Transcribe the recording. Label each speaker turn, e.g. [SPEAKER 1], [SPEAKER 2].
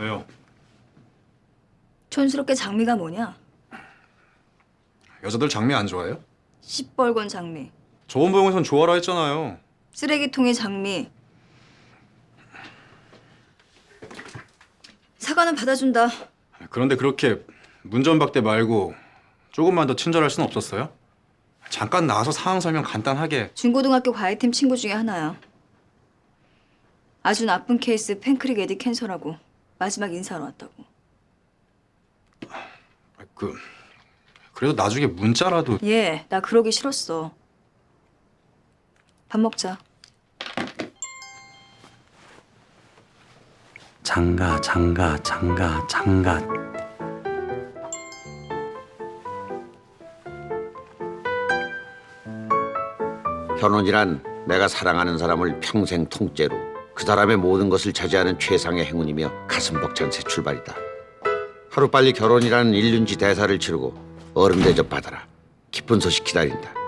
[SPEAKER 1] 왜요?
[SPEAKER 2] 촌스럽게 장미가 뭐냐?
[SPEAKER 1] 여자들 장미 안 좋아해요?
[SPEAKER 2] 시뻘건 장미,
[SPEAKER 1] 좋은 보영에선 좋아라 했잖아요.
[SPEAKER 2] 쓰레기통에 장미. 사과는 받아준다.
[SPEAKER 1] 그런데 그렇게 문전박대 말고 조금만 더 친절할 순 없었어요? 잠깐 나와서 상황 설명 간단하게.
[SPEAKER 2] 중고등학교 과외팀 친구 중에 하나야. 아주 나쁜 케이스 팬크릭 에디 캔서라고 마지막 인사하러 왔다고.
[SPEAKER 1] 그래도 나중에 문자라도.
[SPEAKER 2] 예, 나 그러기 싫었어. 밥 먹자.
[SPEAKER 3] 장가.
[SPEAKER 4] 결혼이란 내가 사랑하는 사람을 평생 통째로 그 사람의 모든 것을 차지하는 최상의 행운이며 가슴 벅찬 새 출발이다. 하루빨리 결혼이라는 일륜지 대사를 치르고 어른 대접 받아라. 기쁜 소식 기다린다.